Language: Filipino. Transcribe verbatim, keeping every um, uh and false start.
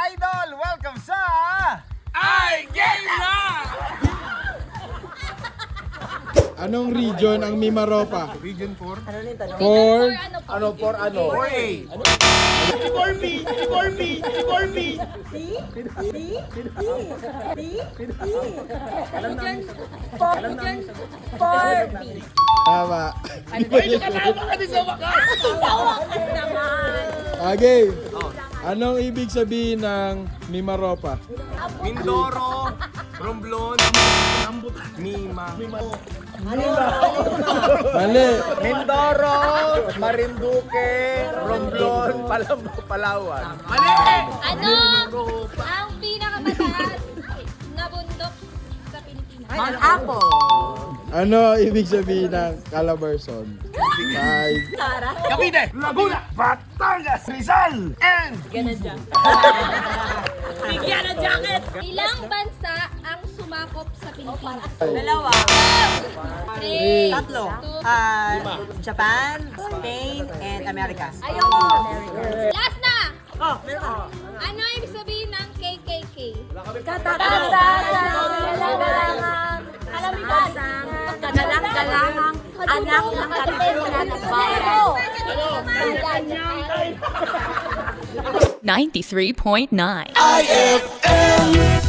idol! Welcome sa... Ay, game na! Anong region ang Mimaropa? Region four? For Ano for ano? four A. four B! four B! four B! tama. Ay, nakakama ka din sa wakas! Okay. Anong ibig sabihin ng Mimaropa? Mindoro, Romblon, Mima. Mali. Mindoro, Marinduque, Romblon, Palam Palawan. Mali! Ano ang pinakamataas na bundok sa Pilipinas? Mount Apo. Ano ibig sabihin ng Calabarzon? Five. Cavite! Laguna! Batangas! Rizal! And... Bigyan ng jacket. Ilang bansa ang sumakop sa Pilipinas? Dalawa. Three. Tatlo. Two. Ah, Japan, Spain, and America. Ayoko. Last na! Oh, meron ka. Ano ibig sabihin ng K K K? Kagalang-galangang Kagalang-galangang anak ng katipunan ng bayan. ninety-three point nine. I F M!